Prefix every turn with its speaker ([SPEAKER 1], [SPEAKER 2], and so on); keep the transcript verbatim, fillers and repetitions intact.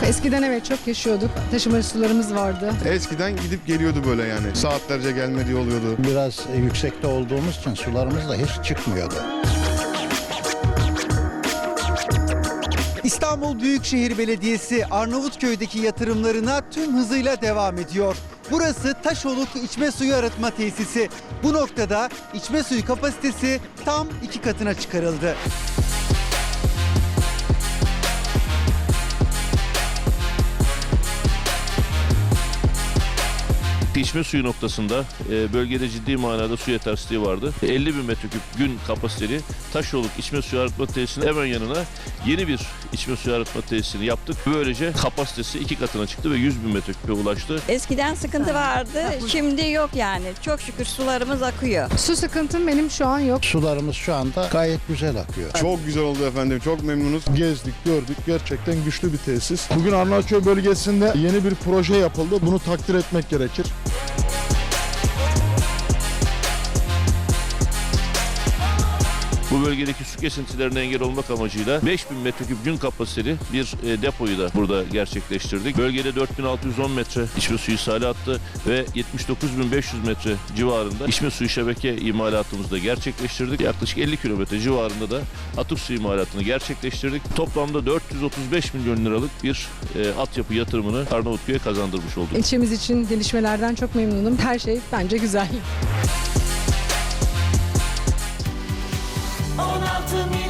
[SPEAKER 1] Eskiden evet çok yaşıyorduk. Taşıma sularımız vardı.
[SPEAKER 2] Eskiden gidip geliyordu böyle yani. Saatlerce gelmediği oluyordu.
[SPEAKER 3] Biraz yüksekte olduğumuz için sularımız da hiç çıkmıyordu.
[SPEAKER 4] İstanbul Büyükşehir Belediyesi Arnavutköy'deki yatırımlarına tüm hızıyla devam ediyor. Burası Taşoluk İçme Suyu Arıtma Tesisi. Bu noktada içme suyu kapasitesi tam iki katına çıkarıldı.
[SPEAKER 5] İçme suyu noktasında e, bölgede ciddi manada su yetersizliği vardı. elli bin metreküp gün kapasiteli Taşoluk içme suyu arıtma tesisinin hemen yanına yeni bir içme suyu arıtma tesisini yaptık. Böylece kapasitesi iki katına çıktı ve yüz bin metreküpe ulaştı.
[SPEAKER 6] Eskiden sıkıntı vardı, şimdi yok yani. Çok şükür sularımız akıyor.
[SPEAKER 1] Su sıkıntım benim şu an yok.
[SPEAKER 3] Sularımız şu anda gayet güzel akıyor.
[SPEAKER 2] Çok güzel oldu efendim. Çok memnunuz.
[SPEAKER 7] Gezdik, gördük. Gerçekten güçlü bir tesis. Bugün Arnavutköy bölgesinde yeni bir proje yapıldı. Bunu takdir etmek gerekir.
[SPEAKER 5] Bu bölgedeki su kesintilerine engel olmak amacıyla beş bin metreküp gün kapasiteli bir e, depoyu da burada gerçekleştirdik. Bölgede dört bin altı yüz on metre içme suyu ishali hattı ve yetmiş dokuz bin beş yüz metre civarında içme suyu şebeke imalatımızı da gerçekleştirdik. Yaklaşık elli kilometre civarında da atık su imalatını gerçekleştirdik. Toplamda dört yüz otuz beş milyon liralık bir e, altyapı yatırımını Arnavutköy'e kazandırmış olduk.
[SPEAKER 1] İlçemiz için gelişmelerden çok memnunum. Her şey bence güzel.
[SPEAKER 8] on altı